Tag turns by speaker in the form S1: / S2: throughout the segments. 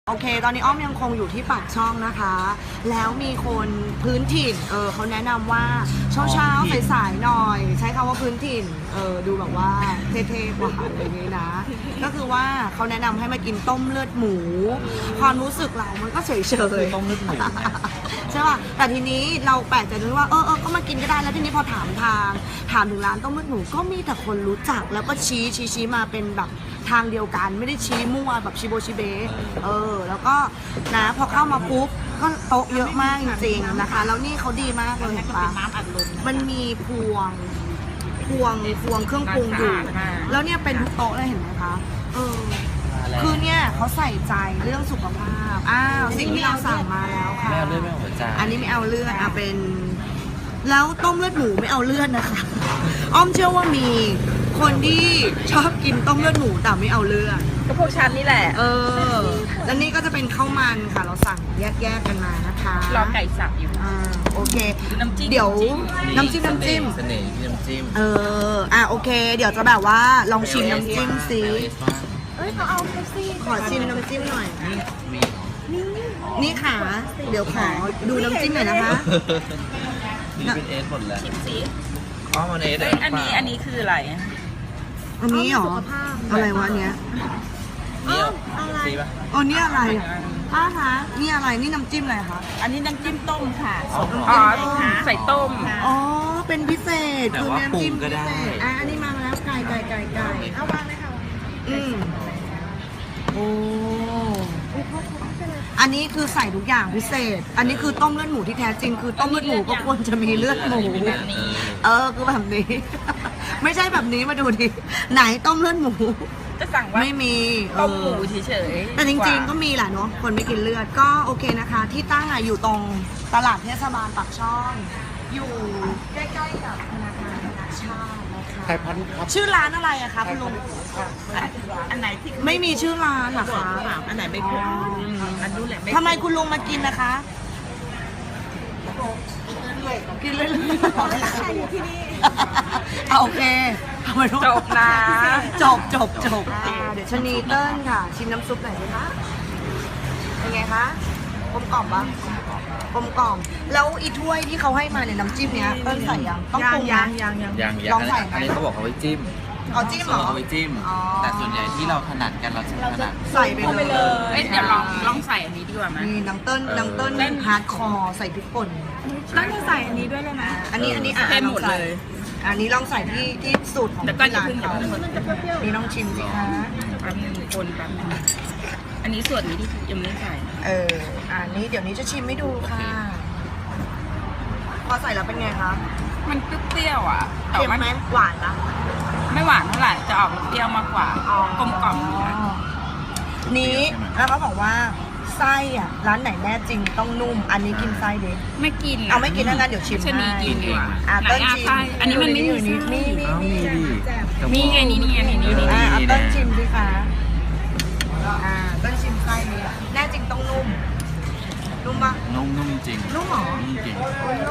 S1: โอเคตอนนี้อ้อมยังคงอยู่ที่ปากช่องนะคะแล้วมีคนพื้นถิ่นเขาแนะนำว่าเช้าสายๆหน่อยใช้คำว่าพื้นถิ่นดูแบบว่าเท่ๆกว่าอะไรอย่างนี้นะก็คือว่าเขาแนะนำให้มากินต้มเลือดหมูความรู้สึกเรามันก็เฉยๆ
S2: ต้มเลือดหมู
S1: ใช่ป่ะแต่ทีนี้เราแปลกใจด้วยว่าก็มากินก็ได้แล้วทีนี้พอถามถึงร้านต้มเลือดหมูก็มีแต่คนรู้จักแล้วก็ชี้มาเป็นแบบทางเดียวกันไม่ได้ชี้มั่วแบบชิโบชิเบะแล้วก็นะพอเข้ามาปุ๊บก็โต๊ะเยอะมากจริงๆนะคะแล้วนี่เขาดีมากเลยเห็นปะมันมีพวงเครื่องปรุงอยู่แล้วเนี่ยเป็นทุกโต๊ะเลยเห็นไหมคะคือเนี่ยเขาใส่ใจเรื่องสุขภาพสิ่งที่เราสั่งมาแล้วค่ะ
S2: ไม่เอาเลือดไม่เอาหัวใจ
S1: อันนี้ไม่เอาเลือดเป็นแล้วต้มเลือดหมูไม่เอาเลือดนะคะอ้อมเชื่อว่ามีคนที่ชอบกินต้มเลือดหมูแต่ไม่เอาเลือด
S3: ก็พวกฉันนี่แหละ
S1: แล้วนี่ก็จะเป็นข้าวมันค่ะเราสั่งแยกกันมานะคะ
S3: รอไก่สับอยู่
S1: โอเค
S3: เดี๋ยว
S1: น้ำจิ้ม
S2: เสน่ห์ที่น้ำจิ้ม
S1: โอเคเดี๋ยวจะแบบว่าลองชิมน้ำจิ้มสิ
S3: เขาเอาเป๊ปซี่
S1: ขอชิมน้ำจิ้มหน่อยนี่ค่ะเดี๋ยวขอดูน้ำจิ้มหน่อยนะคะ
S2: นี่เป็นเอสหมดแล้ว
S3: ชิมสิ
S2: มันเอส
S3: อันนี้คืออะไร
S1: อันนี้หรออะไรวะเนี้ย
S2: นี่อะไร
S1: นี่อะไรป้าคะนี่อะไรนี่น้ำจิ้มอะไรคะ
S3: อันนี้น้ำจิ้มต้มค่ะใส่ต้ม
S1: เป็นพิเศษ
S2: คือน้ำจิ้มก็ได้
S1: อันนี้มาแล้วไก่
S3: เอาวางเลยค่ะ
S1: อันนี้คือใส่ทุกอย่างพิเศษอันนี้คือต้มเลือดหมูที่แท้จริงคือต้มเลือดหมูก็ควรจะมีเลือดหมูคือแบบนี้ไม่ใช่แบบนี้มาดูดิไหนต้มเลือดหมู
S3: จะสั่งว่า
S1: ไม่มี
S3: ต้มหมูเฉย
S1: ๆแต่จริงๆก็มีแหละเนาะคนไม่กินเลือดก็โอเคนะคะที่ตั้งอยู่ตรงตลาดเทศบาลปากช่องอยู่ใกล้ๆกับธนาคารธนาชาตินะคะชื่อร้านอะไรอะคะคุณลุง
S3: อันไหนที่
S1: ไม่มีชื่อร้านหรอคะ
S3: อันไหนไม่พูดอันนู้นแหละ
S1: ทำไมคุณลุงมากินนะคะกินเลย
S3: ใครอยู่ที่นี่
S1: โอเค
S3: จบนะ
S1: จบเดี๋ยวชนีเติ้ลค่ะชิมน้ำซุปหน่อยสิคะเป็นไงคะกลมกล่อมปะกลมกล่อมแล้วอีถ้วยที่เขาให้มาเนี่ยน้ำจิ้มเนี้ยเติ้ลใส่ยังต้องปรุง
S3: ยัง
S1: ลองใส่
S2: อันนี้เขาบอกเอาไว้จิ้ม
S1: จิ้มเหรอ
S2: เอาไว้จิ้มแต่ส่วนใหญ่ที่เราถนัดกันเราจะถนัด
S1: ใส่ไปเลย
S3: เดี๋ยวลองใส่อันนี้ดีกว่าไหม
S1: นี่น้ำเติ้ลฮาร์ดคอร์ใส่พริกป่น
S3: ต้องจะใส่อันนี้ด้วยเลยนะ
S1: อันนี้
S3: เป็นหมดเลย
S1: อันนี้ลองใส่ที่สูตรของ
S3: ที่ร้านเขา
S1: นี่ลองชิมสิคะ
S3: แป๊บนึงคนแป๊บนึงอันนี้ส่วนนี้ที่ยังไม่ใส่
S1: อันนี้เดี๋ยวนี้จะชิมให้ดูค่ะพอใส่แล้วเป็นไงคะ
S3: มันเปรี้ยวอ่ะ
S1: เค็มไหมหวานนะ
S3: ไม่หวานเท่าไหร่จะออกเปรี้ยวมากกว่ากลมกล่อม
S1: นี้แล้วเขาบอกว่าไส้ร้านไหนแน่จริงต้องนุ่มอันนี้กินไส้ดิ
S3: ไม่กิน
S1: ไม่กินแล้วนะเดี๋ยวชิม
S3: ให้กินดีกว่า
S1: เติ้ลชิม
S3: อันนี้มันไม่มี
S1: มี
S3: ไงนี่
S1: เติ้ลชิมดิคะเติ้ลชิมไส้นี้แน่จริงต้องนุ่มปะ
S2: นุ่มจริง
S1: นุ่มหรอ
S2: จริง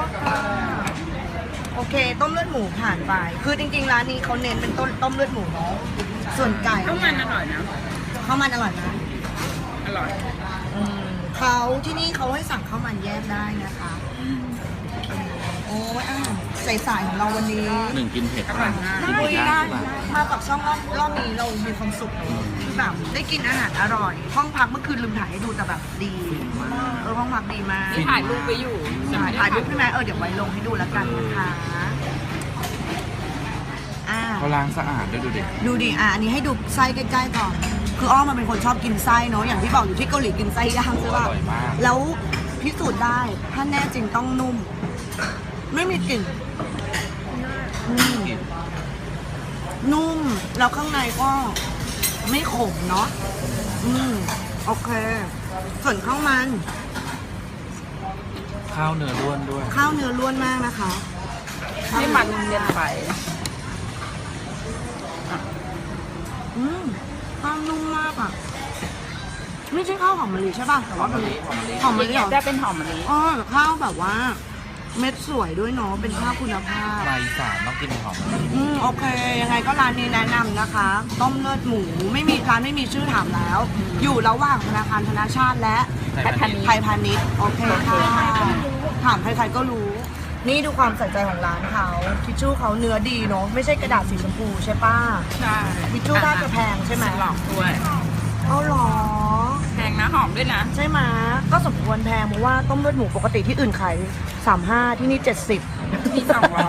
S1: โอเคต้มเลือดหมูผ่านไปคือจริงๆร้านนี้เขาเน้นเป็นต้มเลือดหมูเนาะส่วนไก่
S3: ข้าวมันอร่อยนะ
S1: ข้าวมันอร่อยนะ
S3: อร่อย
S1: เขาที่นี่เขาให้สั่งข้าวมันแยกได้นะคะใส่สายของเราวันนี้
S2: 1กินเผ็ด
S1: ได้มากับช่องรอบนี้เรามีความสุขแบบได้กินอาหารอร่อยห้องพักเมื่อคืนลืมถ่ายให้ดูแต่แบบดีห้องพักดีมาก
S3: ถ่ายรูปไปอยู่
S1: ถ่ายรูปใช่ไหมเดี๋ยวไว้ลงให้ดูแล้วกันนะคะ
S2: เขาล้างสะอาดด้วย
S1: ดูดิอันนี้ให้ดูไส้ใกล้ๆก่อนคืออ้อมมันเป็นคนชอบกินไส้เนาะอย่างที่บอกอยู่ที่เกาหลีกินไส้ย่างใช่ป่ะแล้วพิสูจน์ได้ถ้าแน่จริงต้องนุ่มไม่มีกลิ่นนุ่มแล้วข้างในก็ไม่ขมเนาะโอเคส่วนข้าวมัน
S2: ข้าวเนื้อล้วนด้วย
S1: ข้าวเนื้อล้วนมากนะคะ
S3: ไม่มันเย็นไป
S1: ข้าวนุ่มมากไม่ใช่ข้าวหอมมะลิใช่ป่ะแต่ว่าหอมมะลิ
S3: ได้เป็นหอมมะลิ
S1: ข้าวแบบว่าเม็ดสวยด้วยเนาะเป็นข้าวคุณภาพ
S2: ลายอีสานต้องกินหอม
S1: โอเค ยังไงก็ร้านนี้แนะนำนะคะ ต้มเลือดหมูไม่มีร้านไม่มีชื่อถามแล้ว อยู่ระหว่างธนาคารธนาชาติและ ไทยพาณิชย์โอเคค่ะถามใครๆก็รู้ นี่ดูความใส่ใจของร้านเขาทิชชู่เขาเนื้อดีเนาะไม่ใช่กระดาษสีชมพูใช่ป้า
S3: ใช่
S1: ทิชชู่น่าจะแพงใช่ไหม
S3: หลอกด้วย
S1: เอาหรอ
S3: แพงนะหอมด้วยนะ
S1: ใช่ไหมก็สมควรแพงเพราะว่าต้มเลือดหมูปกติที่อื่นขาย35ที่นี่70
S3: มี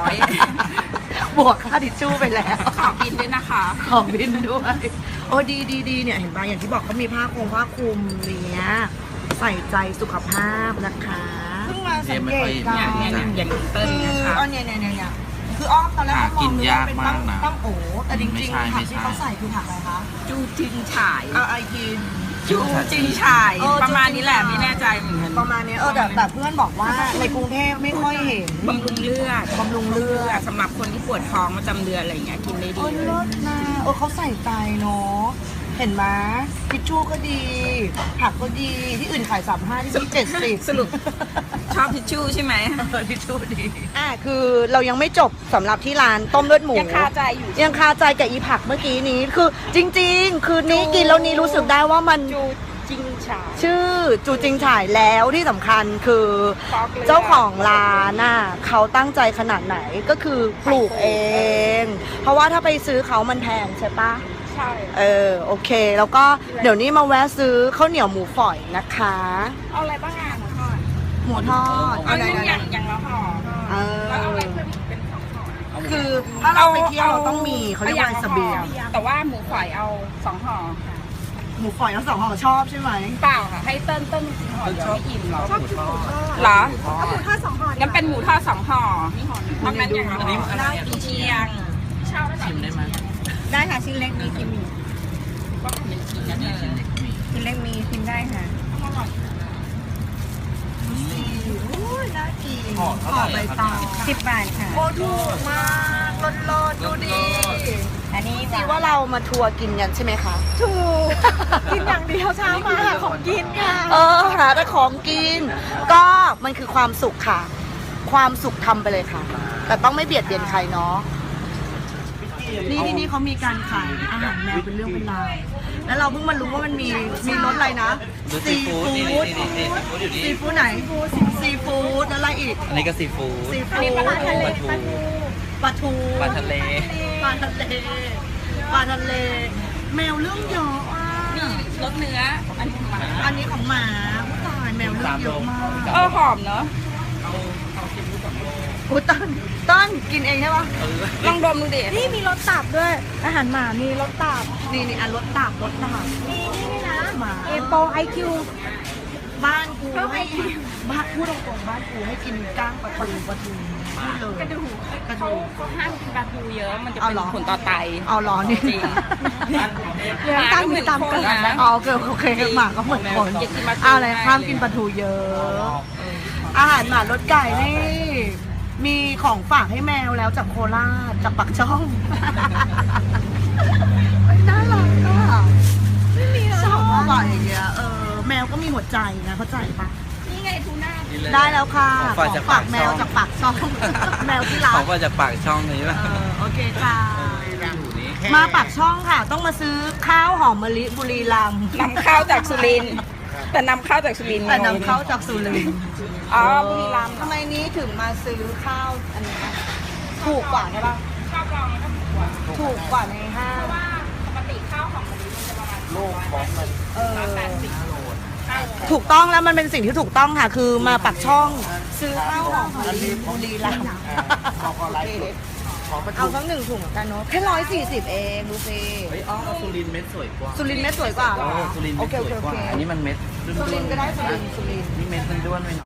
S3: 200
S1: บวกค่าทิชชู่ไปแล้ว
S3: ขอกินด้วยนะคะ
S1: ขอบินด้วยโอ้ดีเนี่ยเห็นป่ะอย่างที่บอกเขามีผ้าคลุมเนี้ยใส่ใจสุขภาพนะคะเพิ่งมาสังเกตกั
S3: อย่างเติ้ล
S1: คือ
S3: นะคะ
S1: เนี่ยคืออ้อมตอนแรกอ้อมมองนึกว่าเป็นตั้งโอแต่จริงๆผักที่เขาใส่คือผักอะไรคะ
S3: จูจินฉาย
S1: เอาไอกิน
S3: จูจินฉาย ประมาณนี้แหละไม่แน่ใจเหมือนกัน
S1: ประมาณนี้แต่เพื่อนบอกว่าในกรุงเทพไม่ค่อยเห็น
S3: บำรุงเลือด
S1: บำรุงเลือด
S3: สำหรับคนที่ปวดท้องประจำเดือนอะไรอย่างเงี้ยกินได้ดี
S1: โอ้ยเลิศนะเขาใส่ใจเนาะเห็นไหมทิชชู่ก็ดี ผักก็ดีที่อื่นขาย35ที่นี่70
S3: สรุปชอบทิชชู่ใช่ไหม
S1: ทิชชู่ดีคือเรายังไม่จบสำหรับที่ร้านต้มเลือดหมู
S3: ยังคาใจอยู่
S1: ยังคาใจกับอีผักเมื่อกี้นี้คือจริงๆ คือนี้กินแล้วนี้รู้สึกได้ว่ามัน
S3: จูจิงฉาย
S1: ชื่อจูจิงฉายแล้วที่สำคัญคือ
S3: ฟอกเลือด
S1: เจ้าของร้านน่ะเขาตั้งใจขนาดไหนก็คือปลูกเอง เพราะว่าถ้าไปซื้อเขามันแพงใช่ปะ
S3: ใช่
S1: โอเค แล้วก็เดี๋ยวนี้มาแวะซื้อข้าวเหนียวหมูฝอยนะคะ
S3: เอาอะไรบ้างอ่ะหมูทอด
S1: หมูทอด
S3: เอานึ่งอย่างละห่อ
S1: เอ
S3: แล้วเอาอะไร
S1: อ
S3: เพิ่มอีกเป็น2ห่อ
S1: คือถ้าเราไปเที่ยวเราต้องมีเขาเรียกว่าเสบียง
S3: แต่ว่าหมูฝอยเอา2ห่อค่ะ
S1: หมูฝอยทั้งสองห่อชอบใช่ไหม
S3: เปล่าค่ะให้เติ้ลกินห่อเดียวไม่อิ่มหรอ
S2: ชอบหมูทอด
S3: เหรอ
S1: ก็หมูทอด2ห่อ
S3: งั้นเป็นหมูทอด2ห่อเพราะงั้นอย่างละ
S2: อันนี้
S3: ห่อ
S2: อะไรอ่ะ
S3: กุนเชียงเช่าได้
S2: ชิมได้ไหม
S3: ได้ค่ะชิ้นเล็กมีกินก็เป็นชิ้นนะ
S2: นี่ชิ้นเล็กมี
S3: ชิ้นเล็กมีกินได้ค่ะ
S1: น่ากิน
S2: ห่อเท่าไหร่
S1: ใบ
S2: ครับ
S1: ตอง
S3: 10 บาทค่ะ
S1: โอ้ถูกมากลดดูดี
S3: อันนี้
S1: สิว่าเรามาทัวร์กินกันใช่ไหมคะ
S3: ถูกกินอย่างเดียวเช้ามาหาของกินค่ะ
S1: หาแต่ของกิน ก็มันคือความสุขค่ะ ความสุขทำไปเลยค่ะ แต่ต้องไม่เบียดเบียนใครเนาะนี่ที่นี่เขามีการขายอาหารแมวเป็นเรื่องเป็นราวแล้วเราเพิ่งมารู้ว่ามันมีรสอะไรนะ
S2: ดูซีฟู้ดนี่ซีฟู้ดอยู่นี่
S1: ซีฟู้ดไหนซีฟู้ดแล้วอะไรอีก
S2: อันนี้ก็ซีฟู้ด
S1: ซี
S3: อัน
S1: ฟู้
S3: นี้
S1: ด
S3: ปลาทะเล
S1: ปลาทู
S2: ปลาทะเล
S1: ปลาทะเลปลาทะเล แมวเรื่องเยอะอ่ะ
S3: มีรสเนื้อ อันนี้ของหมา
S1: อันนี้ของหมาผู้ตายแมวเรื่องเยอะมาก
S3: หอมเนอะ
S1: อุ้ยต้นกินเองใช่ปะ
S3: ลองดมดูดิ
S1: นี่มีรสตับด้วย อาหารหมามีรสตับนี่รสตับนี่นะหมา
S3: โปไอคิว
S1: บ้านกูให้บ้านพูดตรงๆบ้านกูให้กินก้างปลาทูพูดเลย
S3: กระดูก
S1: กระดูก
S3: เขาห้ามกินปลาทูเยอะ มันจะ
S1: เอา
S3: เป็น
S1: เหรอ
S3: ผลต่อไต
S1: เอาร้อนนี่
S3: จริง
S1: เลี้ยงตั้งมีตามกันอ๋อโอเคหมาก็เหมือนคน
S3: อย่ากินปลาทู
S1: เอาอะไรห้ามกินปลาทูเยอะ อาหารหมารสไก่นี่ มีของฝากให้แมวแล้วจากโคราชจากปักช่องน่ารักอ่ะชอบอ่ะอย่างเงี้ยแมวก็มีหัวใจนะเข้าใจปะ
S3: นี่ไงทูน่า
S1: ได้แล้วค่ะ
S2: ของฝากจาก
S1: ฝากแมว
S2: ปากช่อง
S1: จากปากช่อง แมวที่ร้า
S2: เขา
S1: น
S2: ก็จะปากช่องนี้ป่ะ
S1: โอเคค่ะ
S2: อยู่นี่
S1: มาปากช่องค่ะ ต้องมาซื้อข้าวหอมมะลิบุรีรัมย์
S3: นำเข้าจากสุรินทร์แต่นำเข้าจากสุรินทร์
S1: แต่นำเข้าจากสุรินทร์
S3: อ๋อบุรีรัมย์
S1: ทำไมนี้ถึงมาซื้อข้าวอันนี้นะถูกกว่าใช่ปะ
S3: ชอบลองแล้วก็ถูกกว่า
S1: ถูกกว่าในห้าง
S3: ว่าปกติข้าวของมันจะประมาณ
S2: โลกของมัน
S1: ถูกต้องแล้วมันเป็นสิ่งที่ถูกต้องค่ะ คือมาปักช่อง ซื้อข้าวหอมมะลิบุรีรัมย์เอาสัก1 ถุงเหมือนกันเนาะแค่140 เองดูสิ
S2: เฮ้ยอ๋อสุรินทร์เม็ดสวยกว่า
S1: สุรินทร์เม็ดสวยกว่าเหรอ
S2: สุรินทร์
S1: โอ
S2: เม็ด
S1: เค
S2: สวยกว่า
S1: โอเค
S2: อันนี้มันเม็ด
S1: สุรินทร์ก็ได้สุรินทร์
S2: นี่เม็ดมันด้วนไปหน่อย